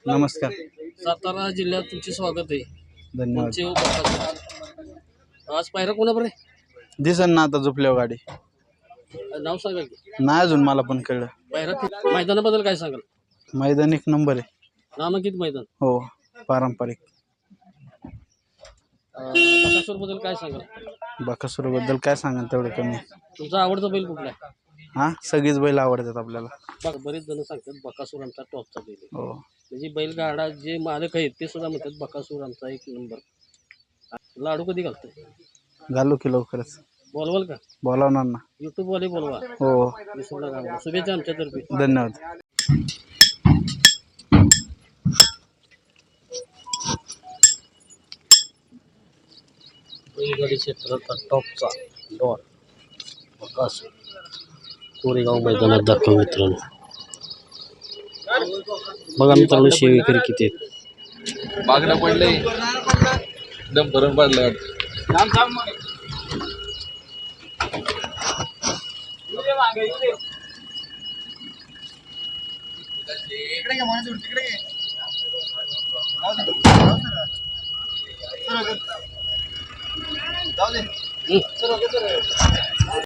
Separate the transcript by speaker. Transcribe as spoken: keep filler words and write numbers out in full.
Speaker 1: नमस्कार.
Speaker 2: सातारा जिल्ह्यात तुमचे स्वागत आहे.
Speaker 1: धन्यवाद.
Speaker 2: तुमचे उपस्थित. आज पायरा कोणाबरोबर आहे?
Speaker 1: दिसन ना आता झोपल्यावर गाडी.
Speaker 2: नाव सांगा की.
Speaker 1: नाही अजून मला पण कळलं.
Speaker 2: पायरा फिट- मैदानाबद्दल काय सांगाल?
Speaker 1: मैदान एक नंबर आहे.
Speaker 2: नामांकित मैदान.
Speaker 1: हो, पारंपरिक.
Speaker 2: बकासूर बद्दल काय सांगाल?
Speaker 1: बकासूर बद्दल काय सांगा तेवढं कमी.
Speaker 2: तुमचा आवडता बैल कुठला आहे?
Speaker 1: हा, सगळीच बैल आवडतात आपल्याला.
Speaker 2: बघ, बरेच जण सांगतात बकासूर आमचा टॉपचा बैल आहे.
Speaker 1: हो,
Speaker 2: म्हणजे बैलगाडा जे मालक आहेत ते सुद्धा म्हणतात बकासूर आमचा एक नंबर. लाडू कधी घालतोय?
Speaker 1: घालू की लवकरच.
Speaker 2: बोलवाल का?
Speaker 1: बोलावणार ना.
Speaker 2: युट्यूब वाले बोलवा.
Speaker 1: हो,
Speaker 2: विसरू नका. शुभेच्छा आमच्यातर्फे.
Speaker 1: धन्यवाद.
Speaker 2: बैलगाडी क्षेत्राचा टॉपचा डॉन बकासूर कोरेगाव मैदानात दाखव मित्रांनो. बघा मित्रांनो शेवेकरी किती आहेत.
Speaker 3: मागणं पडलंय एकदम भरून पडलंय.
Speaker 2: हं.